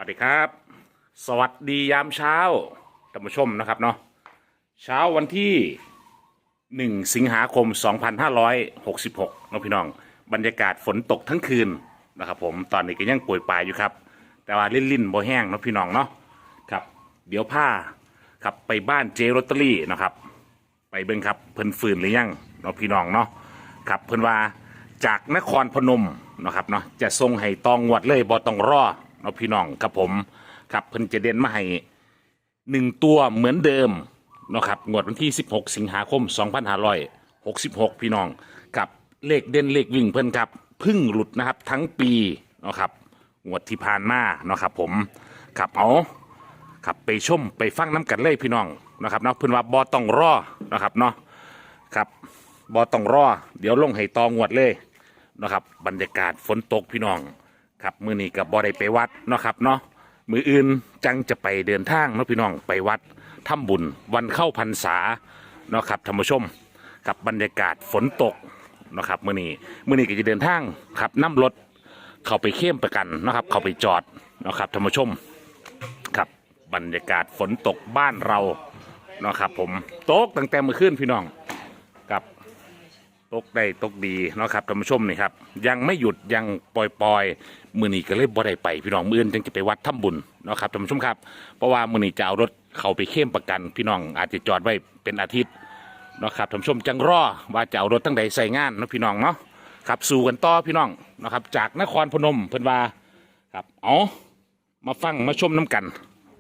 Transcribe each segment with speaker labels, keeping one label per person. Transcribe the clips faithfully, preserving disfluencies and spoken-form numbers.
Speaker 1: วัสดีครับสวัสดียามเช้าท่านผู้ชมนะครับเนาะเช้าวันที่หนึ่งสิงหาคมสองพันห้าร้อยหกสิบหกน้องพี่น้องบรรยากาศฝนตกทั้งคืนนะครับผมตอนนี้ก็ยังป่วยปลายอยู่ครับแต่ว่าลิ่นลิ่นบ่แห้งน้องพี่น้องเนาะครับเดี๋ยวผ้าครับไปบ้านเจลอตเตอรี่นะครับไปเบิ่งครับเพิ่นฟื้นหรือยังน้องพี่น้องเนาะครับเพิ่นว่าจากนครพนมนะครับเนาะจะทรงให้ตองงวดเลยบ่ต้องรอเนาะพี่น้องครับผมครับเพิ่นจะเด่นมาให้หนึ่งตัวเหมือนเดิมเนาะครับงวดวันที่สิบหกสิงหาคมสองพันห้าร้อยหกสิบหกพี่น้องกับเลขเด่นเลขวิ่งเพิ่นครับพึ่งหลุดนะครับทั้งปีเนาะครับงวดที่ผ่านมาเนาะครับผมครับเอาครับไปชมไปฟังน้ำกันเลยพี่น้องนะครับเนาะเพิ่นว่าบ่ต้องรอนะครับเนาะครับบ่ต้องรอเดี๋ยวลงให้ตองวดเลยนะครับบรรยากาศฝนตกพี่น้องครับมื้อนี้กับบ่ได้ไปวัดเนาะครับเนาะมืออื่นจังจะไปเดินทางเนาะพี่น้องไปวัดทำบุญวันเข้าพรรษาเนาะครับท่านผู้ชมกับบรรยากาศฝนตกเนาะครับมื้อนี้มื้อนี้ก็จะเดินทางขับน้ำรถเข้าไปเข้มประกันเนาะครับเข้าไปจอดเนาะครับท่านผู้ชมครับบรรยากาศฝนตกบ้านเราเนาะครับผมตกตั้งแต่เมื่อคืนพี่น้องครับตกได้ตกดีเนาะครับท่านผู้ชมนี่ครับยังไม่หยุดยังปล่อยปล่อยมือนี้ก็เลยบ่ได้ไปพี่น้องมืออื่นจึงจะไปวัดทำบุญเนาะครับท่านผู้ชมครับเพราะว่ามือนี้จะเอารถเข้าไปเข้มประกันพี่น้องอาจจะจอดไว้เป็นอาทิตย์เนาะครับท่านผู้ชมจังรอว่าจะเอารถตั้งใดใส่งานเนาะพี่น้องเนาะครับสู่กันต่อพี่น้องนะครับจากนครพนมเพิ่นว่าครับเอามาฟังมาชมน้ำกัน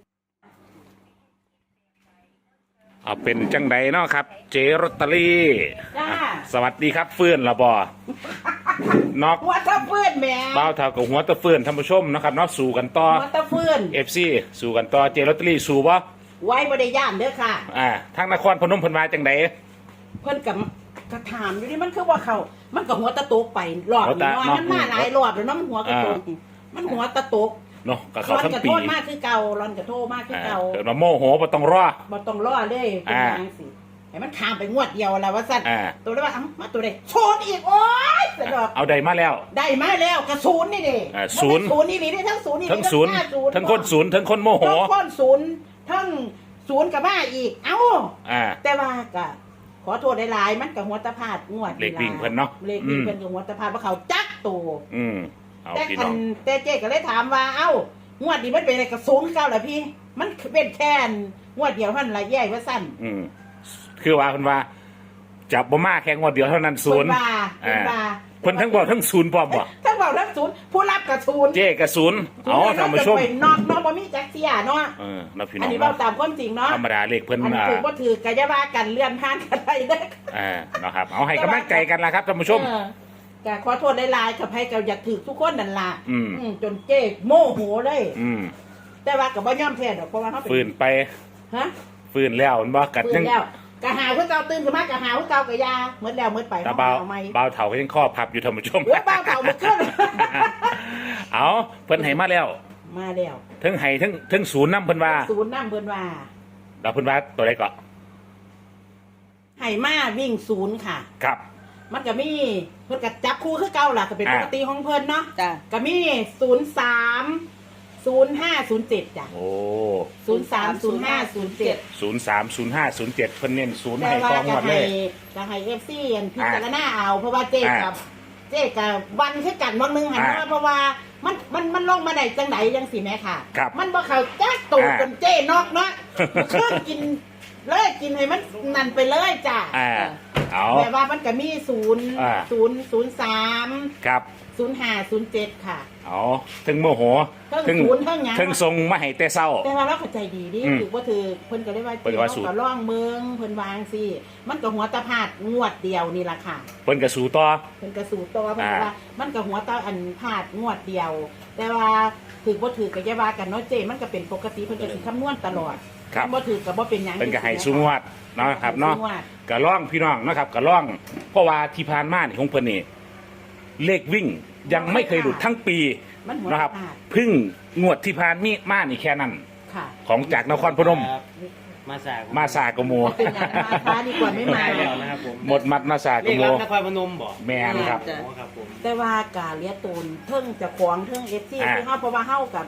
Speaker 1: เอาเป็นจังใดเนาะครับเจลอตเตอรี่สวัสดีครับเฟื่อนละบอนอก
Speaker 2: หัวตะเฟื่อนแหม่
Speaker 1: บ้าวเท่ากับหัวตะเฟื่อนท่านผู้ชมนะครับเนาะสู่กันต่อ
Speaker 2: หัวตะเฟื่อน
Speaker 1: เอฟซีสู่กันต่อเจลอตเตอรี่สู่บ่
Speaker 2: ไว้บ่ได้ย่านเด้อค่ะ
Speaker 1: อ่าทางนครพนมเพิ่นว่าจังใด
Speaker 2: เพิ่นกับกระถามอยู่นี่มันคือว่าเขามันก็หัวตะโตกไปรอบนี้เนาะมันมาหลายรอบแล้วเนาะมันหัวกระโตกมันหัวตะโตก
Speaker 1: เนาะก็เขาทั้งปี
Speaker 2: ร้อนกระโทษมากคือเก่าร้อนกระโทษมากคือเก่า
Speaker 1: เดี๋ยวเราโมโหบ่ต้องรอ
Speaker 2: บ่ต้องรอเลยเป็นจังซี่ให้มันข้ามไปงวดเดียวแล้วว่าซั่นตัวได้ว่าเอ้ามาตัวใดโชนอีกโอ๊ยสะดอก
Speaker 1: เอาได้มาแล้ว
Speaker 2: ได้มาแล้วกระศูนย์นี่ดิ
Speaker 1: ศูนย์
Speaker 2: ศูนย์นี่นี่ทั้งศูนย์นี่
Speaker 1: ทั้งศูนย์ทั้งคนศูนย์ทั้งคนโมโห
Speaker 2: ทั้งคนศูนย์ทั้งศูนย์กับมาอีกเอ้าแต่ว่าก็ขอโทษหลายๆมันกับหัวตะพาดงวด
Speaker 1: เลขวิ่งเพิ่นเนาะ
Speaker 2: เลขวิ่งเพิ่นกับหัวตะพาดว่าเขาจักตัว
Speaker 1: อืมเอา
Speaker 2: แต่คั
Speaker 1: พี่น้อง
Speaker 2: แต่เจ๊ก็เลยถามว่าเอ้างวดนี้มันเป็นอะไรกับศูนย์เก้าเหรอพี่มันเป็นแค่งวดเดียวเท่านั้นละแย่ว่าสั้น
Speaker 1: อืมคือว่าเพิ่นว่าจับบ่มาแค่งวดเดียวเท่านั้นศูนย์
Speaker 2: เพิ่นว่า
Speaker 1: เพิ่นทั้งบอกทั้งศูนย์พร้อมบ่
Speaker 2: ทั้งบอกทั้งศูนย์ผู้รับกับศูนย์
Speaker 1: เจ๊กับศูนย์เอาท่านผู้ชม
Speaker 2: นอกนอกบ่มีจักเสียเนาะ
Speaker 1: เออเนาะพี่น้อง
Speaker 2: อันนี้เว้าตามความจริงเนาะ
Speaker 1: ธรรมดาเลขเพิ่น
Speaker 2: อันนี้ถือบ่ถือกะจะว่ากันเลื่อนผ่านกันได้เด้อ
Speaker 1: อ่าเนาะครับเอาให้กำลังใจกันล่ะครับท่านผู้ชม
Speaker 2: ก็ขอโทษหลายๆกับให้ก็อยากถือทุกคนนั่นล่ะ
Speaker 1: อืม
Speaker 2: จนเจ๊โมโหเลย
Speaker 1: อืม
Speaker 2: แต่ว่าก็บ่ยอมแพ้ดอกเพราะว่าเฮาเป็น
Speaker 1: ฟื้นไป
Speaker 2: ฮะ
Speaker 1: ฟื้นแล้วมันบ่กัดยัง
Speaker 2: กะหาคือเก่าตื่นขึ้นมากะหาคือเก่ากะยาเหมือนแล้วเหมือนไป
Speaker 1: เบาเบาเถาก็ยังข้อพับอยู่ท่านผู้ชม
Speaker 2: เบาเถาบ่ขึ้น
Speaker 1: เอาเพิ่นให้มาแล้ว
Speaker 2: มาแล้ว
Speaker 1: ทั้งให้ทั้งทั้งศูนย์นำเพิ่นว่า
Speaker 2: ศูนย์นำเพิ่นว่า
Speaker 1: ดาวเพิ่นว่าตัวใดก็
Speaker 2: ให้มาวิ่งศูนย์ค่ะ
Speaker 1: ครับ
Speaker 2: มันก็มีเพิ่นก็จับคู่คือเก่าล่ะก็เป็นปกติของเพิ่นเนาะ
Speaker 3: จ้ะ
Speaker 2: ก็มีศูนย์สามศูนย์ห้าศูนย์เจ็ดจ้ะ
Speaker 1: โอ้
Speaker 2: ศูนย์สามศูนย์ห้าศูนย์เจ็ด
Speaker 1: ศูนย์สามศูนย์ห้าศูนย์เจ็ดเพิ่นเน้นศูนย์ให้กองหมดเลย
Speaker 2: จะให้เอฟซีพิจารณาเอาเพราะว่าเจ๊กับเจ๊กับวันคือกันวันนึงหันมาเพราะว่ามันมันมันลงมาได้จังไดจังสิแม่ค่ะมันบ่เข้าจักตูจนเจ๊นอกเนาะเครื่องกินเลยกินให้มันนั่นไปเลยจ้ะ
Speaker 1: เอา
Speaker 2: แต่ว่ามันก็มีศูนย์ศูนย์ศูนย์สาม
Speaker 1: ครับ
Speaker 2: ศูนย์ห้าศูนย์เจ็ดค่ะ
Speaker 1: อ๋อถึงโมโห
Speaker 2: ถึงศูนย์ถึงหยัง
Speaker 1: ถึงทรงมาให้แต่เศร้า
Speaker 2: แต่ว่าเราเข้าใจดีดิถือว่าถือเพิ่นก็ได้ว่าเพิ่นก็ร่องเมืองเพิ่นวางสิมันก็หัวตะพาดงวดเดียวนี่ล่ะค่ะ
Speaker 1: เพิ่นก็สู่ต่อ
Speaker 2: เพิ่นก็สู่ต่อเพิ่นว่ามันก็หัวตะอันพาดงวดเดียวแต่ว่าถือว่าถือก็อย่าว่ากันเนาะเจมันก็เป็นปกติเพิ่นก็สิคำนวณตลอดบ่ถือก็บ่เป็นหยัง
Speaker 1: เพิ่นก็ให้สู่งวดเนาะครับเนาะก็ร่องพี่น้องนะครับก็ร่องเพราะว่าที่ผ่านมานี่ของเพิ่นนี่เลขวิ่งยังไม่เคยหลุดทั้งปีนะครับพึ่งงวดที่ผ่านมีมานี่แค่นั้นของจากนครพนม
Speaker 3: มาสาก
Speaker 1: มาสากโม
Speaker 2: เป็นอย่างมาช้าดีกว่าไม่มา
Speaker 3: แล้วนะครับผม
Speaker 1: หมดมัดมาสากโม
Speaker 3: นครพนมบ่
Speaker 1: แม่นครับ
Speaker 2: แต่ว่ากาเลียตูนเทิงจะขวางเทิงเอฟซีที่เฮาเพราะว่าเฮากับ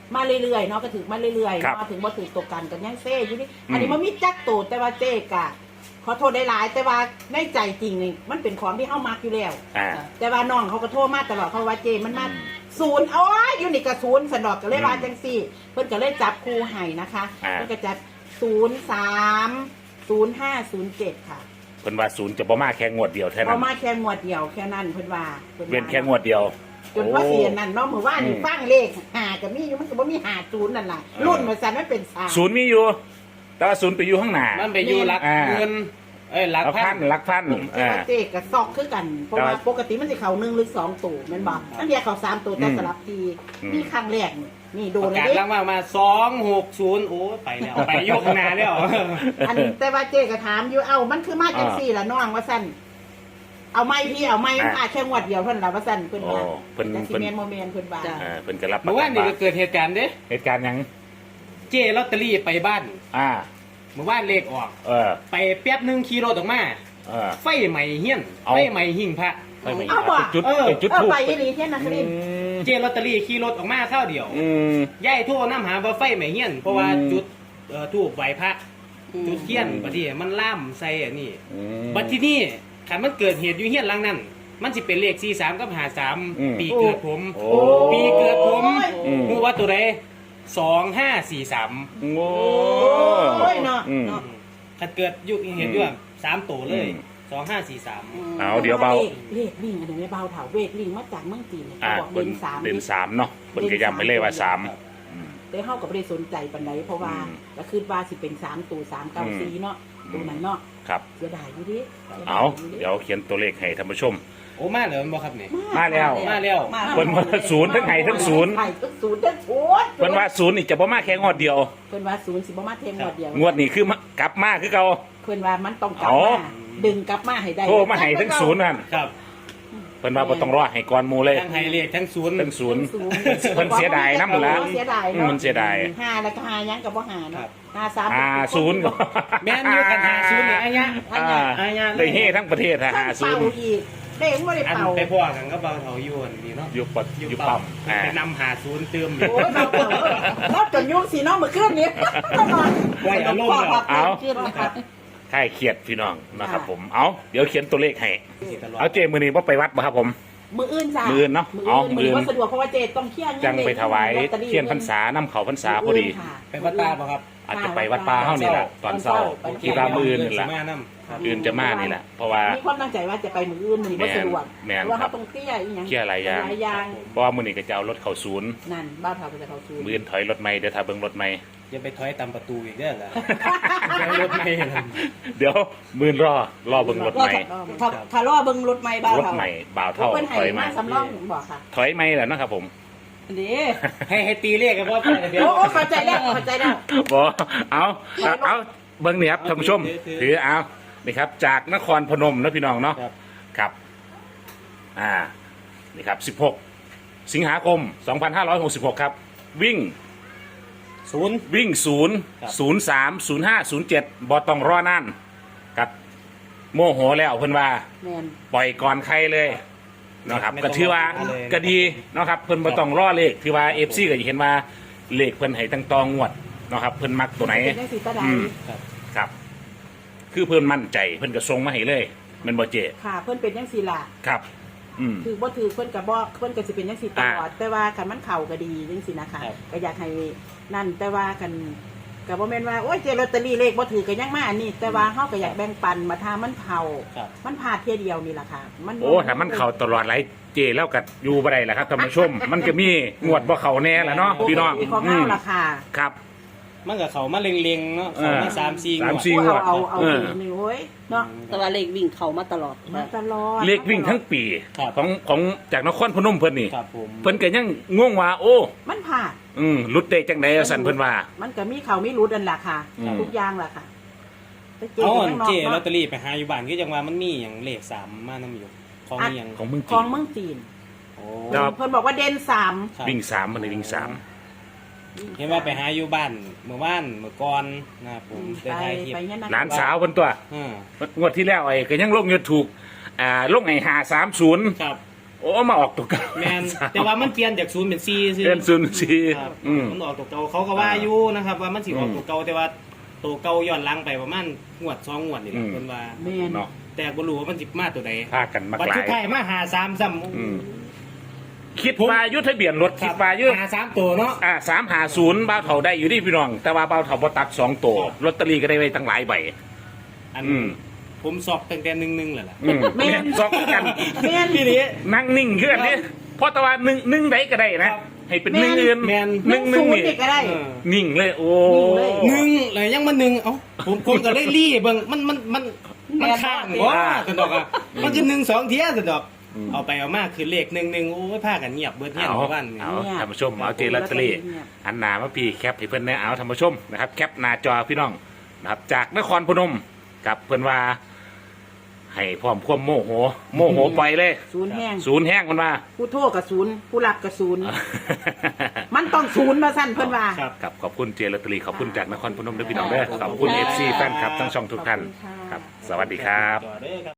Speaker 2: มาเรื่อยๆเนาะก็ถึงมาเรื่อยๆ
Speaker 1: ครับ
Speaker 2: เนาะถึงบ่ถึงตกกันกันยังเซ่อยู่นี่อันนี้มันมีจักโตแต่ว่าเจ๊กะขอโทษได้หลายแต่ว่าในใจจริงนี่มันเป็นของที่เฮามักอยู่แล้ว
Speaker 1: อ่า
Speaker 2: แต่ว่าน้องเขาก็โทรมาตลอดเขาว่าเจมันมาศูนย์เอาไว้อยู่นี่ก็ศูนย์สนดอกก็เลยว่าจังซี่ เพิ่นก็เลยจับคู่ให้นะคะ
Speaker 1: อ่า
Speaker 2: เพิ่นก็จัดศูนย์สามศูนย์ห้าศูนย์เจ็ดค่ะ
Speaker 1: เพิ่นว่าศูนย์จะบ่มาแค่งวดเดียวเท่า
Speaker 2: เพ
Speaker 1: นั้น
Speaker 2: ราะมาแค่งวดเดียวแค่นั้นเพิ่นว่าพิ่ว่า
Speaker 1: เว้นแค่งวดเดียว
Speaker 2: จนว่าเสียนั่นเนาะเมื่อวานนี่
Speaker 1: อืม
Speaker 2: ฟังเลขหาก็มีอยู่มันก็บ่มีหาศูนย์นั่นล่ะรุ่นมันสั่นมันเป็นสาม
Speaker 1: ศูนย์มีอยู่ แต่ว่าศูนย์ไปอยู่ข้างหน้า
Speaker 3: มันไปอยู่หลัก
Speaker 1: อ่า
Speaker 3: เงินเอ้ยหลัก
Speaker 1: ลัก
Speaker 3: พั
Speaker 1: พั
Speaker 3: น
Speaker 1: นลักพัน
Speaker 2: แต่
Speaker 1: อ่า
Speaker 2: ว่าเจ๊ก็ซอกคือกัน เพราะว่าปกติมันสิเข้าหนึ่งหรือสองตัวแม่นบ่ตั้งแต่เข้าสามตัวแต่
Speaker 1: อืม
Speaker 2: สลับที
Speaker 1: อืม
Speaker 2: นี่ครั้งแรกนี่นี่โด
Speaker 3: ป
Speaker 2: น
Speaker 3: ระ
Speaker 2: เลย
Speaker 3: กาศ
Speaker 2: เด้
Speaker 3: ล่างมากมาสองหกศูนย์โอ้ไปแล้วไปยกนาแล้ว
Speaker 2: อันแต่ว่าเจ๊ก็ถามอยู่เอ้ามันคือมาจังซี่ล่ะน้องว่าซั่นเอาไม้พี่เอาไม้มันพาแค่งวดเดียวเท่านั้นล่ะว่าซั่นเพิ่นว่า
Speaker 1: โอ้เพิ่น
Speaker 2: จังสิ
Speaker 1: เพิ่น
Speaker 2: แม่นบ่แม่นเพิ่นว่า
Speaker 1: อ่าเพิ่นก็รับ
Speaker 3: เมื่อวานนี่ก็เกิดเหตุการณ์เด้
Speaker 1: เหตุการณ์หยัง
Speaker 3: เจ้ลอตเตอรี่ไปบ้าน
Speaker 1: อ่า
Speaker 3: เมื่อวานเลขออก
Speaker 1: เออ
Speaker 3: ไปแป๊บหนึงขี่รถออกมา
Speaker 1: เออ
Speaker 3: ไฟใหม่เฮี้ยน
Speaker 1: เอา
Speaker 3: ไฟใหม่หิ่งพระ
Speaker 1: ไปไม่
Speaker 2: เอาบ่
Speaker 1: จุด
Speaker 3: เออ
Speaker 1: ไปจุด
Speaker 2: เออ
Speaker 1: ทูบ
Speaker 2: ไปอีหลีเที่ยนนครินทร์
Speaker 3: เจ้ลอตเตอรี่ขี่รถออกมาเท่าเดียว
Speaker 1: อืม
Speaker 3: ย่ายโทั่วน้ำหาว่าไฟใหม่เฮี้ยนเพราะว่า
Speaker 1: อืม
Speaker 3: จุดเอ่อทูบไหวพระจุดเทียนบัดนี้มันล่ามใส่อันนี้
Speaker 1: อืม
Speaker 3: บัดที่นี่ขันมันเกิดเหตุอยู่เฮี้ยนหลังนั้น มันสิเป็นเลขสี่สามกับหาสาม
Speaker 1: อืม
Speaker 3: ปีเกิดผม
Speaker 1: โอ้
Speaker 3: ปีเกิดผม
Speaker 1: อืม
Speaker 3: รู้ว่าตัวใดสองห้าสี่สาม
Speaker 1: โอ้
Speaker 2: โอ้ยเนาะ
Speaker 1: อืม
Speaker 2: เนาะ
Speaker 3: ขัดเกิดอยู่เห็นด้วยสามตัวเลย
Speaker 1: อืม
Speaker 3: สองห้าสี่สาม
Speaker 1: เอาเดี๋ยวเบา
Speaker 2: เลขลิงอันนี้ไม่เบาเถาเวกลิงมาจากเมืองจีนเนี่ย
Speaker 1: อ่า
Speaker 2: เขาบอก
Speaker 1: เพิ่
Speaker 2: เด่
Speaker 1: น
Speaker 2: นสาม
Speaker 1: เด่นสามเนาะเพิ่นก็ย้ำไปเลยว่าสามอืม
Speaker 2: ได้เข้ากับไม่ได้สนใจปันไดเพราะว่า
Speaker 1: อืม
Speaker 2: ก็คือว่าสิเป็นสามตัวสามเก้าสี่เนาะ
Speaker 1: อืม
Speaker 2: ตัวนั้นเนาะ
Speaker 1: ครับ
Speaker 2: เสียดายอยู่ดิสียด
Speaker 1: เอา
Speaker 2: ยู่ดิ
Speaker 1: เดี๋ยวเขียนตัวเลขให้ท่านผู้ชม
Speaker 3: โอ้มาเหรอมันบอกครับเนี่ย
Speaker 1: มาแล้ว
Speaker 3: มาแล้ว
Speaker 1: เพิ่นว่าศูนย์ทั้งไห้ทั้งศูนย์
Speaker 2: ไห้ทั้งศูนย์ทั้งศูนย์
Speaker 1: เพิ่นว่าศูนย์นี่จะบ่มาแค่งวดเดียว
Speaker 2: เพิ่นว่าศูนย์สิบ่มาเทมงวดเดียว
Speaker 1: งวดนี้คือมากลับมาคือเก่า
Speaker 2: เพิ่นว่ามันต้องกลับ
Speaker 1: อ๋อ
Speaker 2: มาดึงกลับมาให้ได้
Speaker 1: โทรมาให้ทั้งศูนย์นั่น
Speaker 3: ครับ
Speaker 1: เพิ่นว่าบ่ต้องรอให้ก่อนหมู่เลย
Speaker 3: ทั้งไฮเลขทั้งศูนย์
Speaker 1: ทั้งศูนย์
Speaker 2: ศูนย์
Speaker 1: เพิ่นเสียดายนำละ
Speaker 2: เสียดาย
Speaker 1: อืม
Speaker 2: เนาะ
Speaker 1: มันเสียดาย
Speaker 2: ห้าแล้วก็ห้ายังกับบ่ห้า
Speaker 3: ครั
Speaker 2: เนาะ
Speaker 3: บ
Speaker 2: ห้าสาม
Speaker 1: อ่าศูนย์ก็
Speaker 3: แม่นอยู่กันหาศูนย์เนี่ยอายะ
Speaker 1: อ่า
Speaker 3: อายะเลย
Speaker 1: ได้เฮทั้งประเทศฮะ
Speaker 2: ทั้ง
Speaker 1: หาศู
Speaker 2: เป่าน
Speaker 1: ย์
Speaker 2: อีกเด้งบ่ได้
Speaker 3: อัน
Speaker 2: เป่า
Speaker 3: ไปพ่อกันก็เบาเถาอยวนนี่เนาะ
Speaker 1: อยู่ปดอยู่ปั๊มอ่า
Speaker 3: ไปนำหาศูนย์เติม
Speaker 2: โอ้ยเราเป่าเราจนยุ่งสีน้องเมื่อคืนนี้ตลอด
Speaker 3: ไว้อารมณ์แล้ว
Speaker 1: เอา
Speaker 2: ขึ้นนะครับ
Speaker 1: ใช่เครียดพี่น้องนะครับ
Speaker 2: ค่ะ
Speaker 1: ผม เอาเดี๋ยวเขียนตัวเลขให้ เอาเจมือนี้ว่าไปวัดป่ะครับผม
Speaker 2: มืออื่นจ้ะ
Speaker 1: มื้ออื่นเนาะ
Speaker 2: มือ
Speaker 1: อ๋อ
Speaker 2: อื่น
Speaker 1: มื้
Speaker 2: มื
Speaker 1: อ
Speaker 2: อ
Speaker 1: อื่น
Speaker 2: อื่นว่าสะดวกเพราะว่าเจต้องเที่ยง
Speaker 1: จังไปถวาย
Speaker 2: ลอตตอรี่
Speaker 1: เทียนพรรษาน้ำเขาพรรษาพอดี
Speaker 2: ค่ะ
Speaker 3: ไปวัดตาป่ะครับ
Speaker 1: อาจจะไปวัดป่าเฮ้านี่แหละตอนเช้าคิดว่ามืออื่นนี่แหละ
Speaker 3: สิมาำ
Speaker 1: อื่นจะมานี่แหละเพราะว่า
Speaker 2: มีความตั้งใจว่าจะไปมืออื่นมือนี้ว่าสะดวก
Speaker 1: แม่น
Speaker 2: เพราะว่า
Speaker 1: ครั
Speaker 2: เขา
Speaker 1: บ
Speaker 2: ต้องเตี้ยอีกอย่าง
Speaker 1: เคลียร์หลายอย่าง
Speaker 2: หลายอย่าง
Speaker 1: เพราะว่ามือนี้ก็จะเอารถเข้าศูนย์
Speaker 2: นั่นบ้านเขาก็จะเขาซูน
Speaker 1: มืออื่นถอยรถไม่เดี๋ยวถ้าเบิ่งรถไม่
Speaker 3: อย่าไปถอยตามประตูอีกเด้อล่ะเดี๋ยวรถไม่เห็น
Speaker 1: เดี๋ยวมืออื่นรอรอเบิ่งรถไม่
Speaker 4: ถ้าถ้ารอเบิ่งรถไม่บ้าว
Speaker 1: รถ
Speaker 4: เขา
Speaker 1: ใหม่บ่าวเท่า
Speaker 2: เพิ่นให้
Speaker 1: ถอย
Speaker 2: มา
Speaker 1: มา
Speaker 2: สำรองบอกค่ะ
Speaker 1: ถอยไม่แหละเนาะครับผม
Speaker 4: อันนี้
Speaker 3: ให้ให้ตีเลขกันว่าไปเดี๋ยว
Speaker 2: โอ้โอ้เข้าใจแล้วเข้าใจแล้ว
Speaker 1: บอเอาเอาเอาเบิ้งเนี่ยครับท่านผู้ชม
Speaker 3: ถือถือ
Speaker 1: ถือเอานี่ครับ จากนครพนมนะพี่น้องเนาะ
Speaker 3: ครับ
Speaker 1: ครับ อ่า นี่ครับสิบหกสิงหาคมสองพันห้าร้อยหกสิบหกครับ วิ่ง
Speaker 3: ศูนย์
Speaker 1: วิ่งศูนย์
Speaker 3: ครับ
Speaker 1: ศูนย์สามศูนย์ห้าศูนย์เจ็ดบอต้องรอนั่นครับโมโหแล้วเพิ่นว่า
Speaker 2: แมน
Speaker 1: ปล่อยก่อนใครเลยนะครับ
Speaker 3: ไม่ต้อง
Speaker 1: ก็ถือว่า
Speaker 3: รอเลย
Speaker 1: ก็ดีเนาะครับเพิ่นบ่ต้องรอเลขที่ว่า เอฟ ซี ก็จะเห็นว่าเลขเพิ่นให้ตั้งตองงวดเนาะครับเพิ่นมักตัวไหน
Speaker 2: เป็นจังสีตาดา
Speaker 1: อืม
Speaker 3: ครับ
Speaker 1: ครับ คือเพิ่นมั่นใจเพิ่นก็ส่งมาให้เลยแมันบ่เจ
Speaker 2: ค่ะ เพิ่นเป็นจังสีล่ะ
Speaker 1: ครับ อืม
Speaker 2: คือบ่ถือเพิ่นก็บ่เพิ่นก็สิเป็นจังซี่ตลอดแต่ว่าคันมันเข้าก็ดีจังซี่นะคะ
Speaker 3: ครับ
Speaker 2: ก็อยากให้นั่นแต่ว่ากันก็บ่แม่นว่าโอ้ยเจลอตเตอรี่เลขบ่ถือก็ยังมาอันนี้ แต่ว่าเฮาก็อยากแบ่งปันมาทามันเข้า
Speaker 3: ครับ
Speaker 2: มันพลาดเที่ยเดียวนี่ล่ะค่ะ มัน
Speaker 1: โอ้ถ้ามันเข้าตลอดหลายเจแล้วก็อยู่บ่ได้ล่ะครับท่านผู้ชม มันก็มีงวดบ่เข้าแน่ล่ะเนาะพี่น้อง
Speaker 2: ของ
Speaker 1: อื
Speaker 2: เฮาม ล่ะค่ะ
Speaker 1: ครับ
Speaker 3: มันกับเขามาเล็งๆเนาะเขามา
Speaker 1: เออ
Speaker 3: สามสี่
Speaker 1: สาม
Speaker 3: งวด
Speaker 1: สี่
Speaker 2: โอ้เอาเอาเอา
Speaker 1: เออ
Speaker 2: นี่โอ้ยเนาะ
Speaker 4: แต่ว่าเลขวิ่งเขามาตลอด
Speaker 2: มาตลอด
Speaker 1: เลขวิ่งทั้งปี
Speaker 3: ครับ
Speaker 1: ของของจากนครพนมเพิ่นนี่
Speaker 3: ครับผม
Speaker 1: เพิ่นก็ยังงงว่า โอ้
Speaker 2: มันผ่าน
Speaker 1: อืมหลุดได้จังได๋สั่นเพิ่นว่า
Speaker 2: มันก็มีเขามีรูดนั่นล่ะค่ะ
Speaker 1: อืม
Speaker 2: ทุกอย่างล่ะค่ะแต่เจ
Speaker 3: เอา
Speaker 2: ก็
Speaker 3: อัน
Speaker 2: ยังนอ
Speaker 3: เจ
Speaker 2: ก
Speaker 3: ลอ
Speaker 2: เนาะ
Speaker 3: ตเตอรี่ไปหาอยู่บ้านก็จังว่ามันมีอย่างเลขสามมานํอยู่ของมีอย่าง
Speaker 1: ของเมือง
Speaker 2: ข
Speaker 1: จี
Speaker 2: อง
Speaker 1: น
Speaker 2: เมืองจีน
Speaker 3: โอ้
Speaker 1: ครับ
Speaker 2: เพิ่นบอกว่าเด่นสาม
Speaker 3: ครับ
Speaker 1: วิ่งสามมันเลยวิ่งสาม
Speaker 3: เห็นว่าไปหาอยู่บ้านเมื่อวานเมื่อก่อนนะครับผม
Speaker 2: ไป
Speaker 3: ได้ถ่ายคลิป
Speaker 2: ไปเนี่ยนะ
Speaker 1: หลานสาวเพิ่นตัว
Speaker 3: อ่า
Speaker 1: งวดที่แล้วไอ้ก็ยังลงอยู่ถูกอ่าลงไอ้ห้าสามศูนย์
Speaker 3: ครับ
Speaker 1: โอ้มาออกตัวเก่า
Speaker 3: แมนแต่ว่ามันเปลี่ยนจากศูนย์เป็นสี่ซื่อ
Speaker 1: เดือนศูนย์สี่
Speaker 3: ครับ
Speaker 1: อืม
Speaker 3: มันออกตัวเก่าเขาก็ว่าอยู่นะครับ ว่ามันสิออกตัวเก่าแต่ว่าตัวเก่าย้อนหลังไปประมาณงวดสองงวดนี่แหละ
Speaker 1: อืม
Speaker 3: เพิ่นว่า
Speaker 2: แม่น
Speaker 1: เนาะ
Speaker 3: แต่บ่รู้ว่ามันสิมาตัวใด
Speaker 1: พากันมา
Speaker 3: บัด
Speaker 1: หลา
Speaker 3: สุดท้าย
Speaker 1: ย
Speaker 3: มาหาสามซ้ำ
Speaker 1: อืมคิดว่าอยุทธเบียนรถคิดว่าอยุ
Speaker 3: หาสามตัวเนาะ
Speaker 1: อ่าสามหาศูนย์บ้าวเถาได้อยู่ที่พี่น้อง แต่ว่าบ้าวเถาบ่ตัดสองตัวลอตเตอรี่ก็ได้ไว้ตั้งหลายใบ
Speaker 3: อัน
Speaker 1: อืม
Speaker 3: ผมสอบตั้งแต่หนึ่งหนึ่งเลยล่ะ
Speaker 1: อืม
Speaker 2: แม่น
Speaker 1: แม่นซอกกัน
Speaker 2: แม่น
Speaker 3: พี่นี้
Speaker 1: นั่งนิ่งขึ้นนี่เพราะแต่ว่าหนึ่งหนึ่งใดก็ได้นะครับ ให้เป็นหนึ่งอื่น
Speaker 3: แม่น
Speaker 1: หนึ่งหนึ่ง
Speaker 2: ศูน
Speaker 1: นี่
Speaker 2: ย์นี่ก็ได้
Speaker 3: เออ
Speaker 1: นิ่งเลยโอ้
Speaker 2: นิ่งเลย
Speaker 3: หนึ่งเลยยังมาหนึ่งเอ้าผมผมก็เลยรีเบิ่งมันมันมันมันข้างว่าสะดอกอ่ะมันจะหนึ่งสองเทียสะดอกเอาไปเอามาคือเลขหนึ่งหนึ่งโอ้ยพากันเงียบเบิดเงียบ
Speaker 1: เอา
Speaker 3: หมู่บ้านนี่
Speaker 1: เอาท่านผู้ชมเอาเจลอตเตอรี่อันหนามาพี่แคปให้เพื่อนนะเอาท่านผู้ชมนะครับแคปหน้าจอพี่น้องนะครับจากนครพนมกับเพื่อนว่า ให้พร้อมความโมโห โมโหไปเลย
Speaker 2: ศูนย์แห้ง
Speaker 1: ศูนย์แห้งมันว่า
Speaker 2: ผู้โทษกับศูนย์ผู้รับกับศูนย์มันต้องศูนย์มาสั้นเพิ่นว่า
Speaker 3: ครับ
Speaker 1: ครับขอบคุณเจลอตเตอรี่ขอบคุณจากนครพนมด้วยพี่น้องเด้อขอบคุณเอฟซีแฟนคลับทั้งช่องทุกท่านครับ สวัสดีครับ
Speaker 3: ต่อเด้อครับ